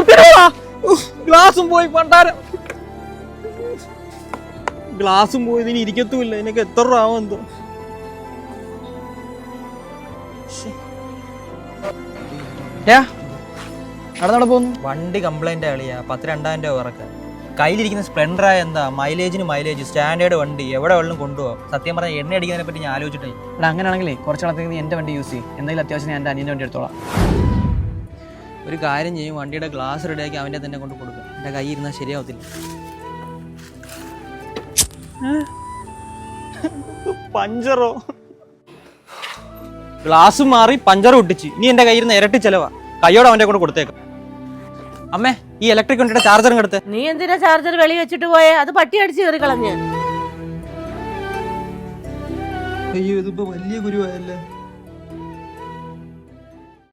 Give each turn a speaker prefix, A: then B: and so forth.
A: ഗ്ലാസും പോയി പണ്ടാരം. ഗ്ലാസും പോയി, ഇതിന് ഇരിക്കത്തുമില്ല. എനിക്ക് എത്ര രൂപ ആവും എന്തോ.
B: അവിടെ പോകുന്നു.
A: വണ്ടി കംപ്ലൈന്റ് ആളിയാ. 10,000-2000 രൂപ ഇറക്കാം. കയ്യിലിരിക്കുന്ന സ്പ്ലെൻഡറായ എന്താ മൈലേജ് സ്റ്റാൻഡേർഡ് വണ്ടി എവിടെ വെള്ളം കൊണ്ടുപോകാം. സത്യം പറഞ്ഞാൽ എണ്ണ അടിക്കുന്നതിനെ പറ്റി ഞാൻ ആലോചിച്ചിട്ടേ.
B: ഇവിടെ അങ്ങനെയാണെങ്കിലേ കുറച്ച് നാളത്തേക്ക് നീ എൻ്റെ വണ്ടി യൂസ് ചെയ്യും. എന്തെങ്കിലും അത്യാവശ്യം ഞാൻ എൻ്റെ അനിയൻ്റെ വണ്ടി എടുത്തോളാം.
A: ഒരു കാര്യം ചെയ്യും, വണ്ടിയുടെ ഗ്ലാസ് റെഡിയാക്കി അവൻ്റെ തന്നെ കൊണ്ട് കൊടുക്കും. എൻ്റെ കൈ ഇരുന്നാൽ ശരിയാവത്തില്ല. പഞ്ചറോ? ഗ്ലാസ് മാറി പഞ്ചർ ഒട്ടിച്ച്. ഇനി എൻ്റെ കയ്യിൽ നിന്ന് ഇരട്ടി ചെലവാ. കയ്യോടെ അവൻ്റെ കൊണ്ട് കൊടുത്തേക്കാം. അമ്മേ, ഈ ഇലക്ട്രിക് വണ്ടിയുടെ ചാർജറും എടുത്ത്.
C: നീ എന്തിനാ ചാർജർ വെളി വെച്ചിട്ട് പോയേ? അത് പട്ടി അടിച്ച് കയറി കളഞ്ഞ്.
A: അയ്യോ, ഇതിപ്പോ വലിയ ഗുരുവായല്ലേ.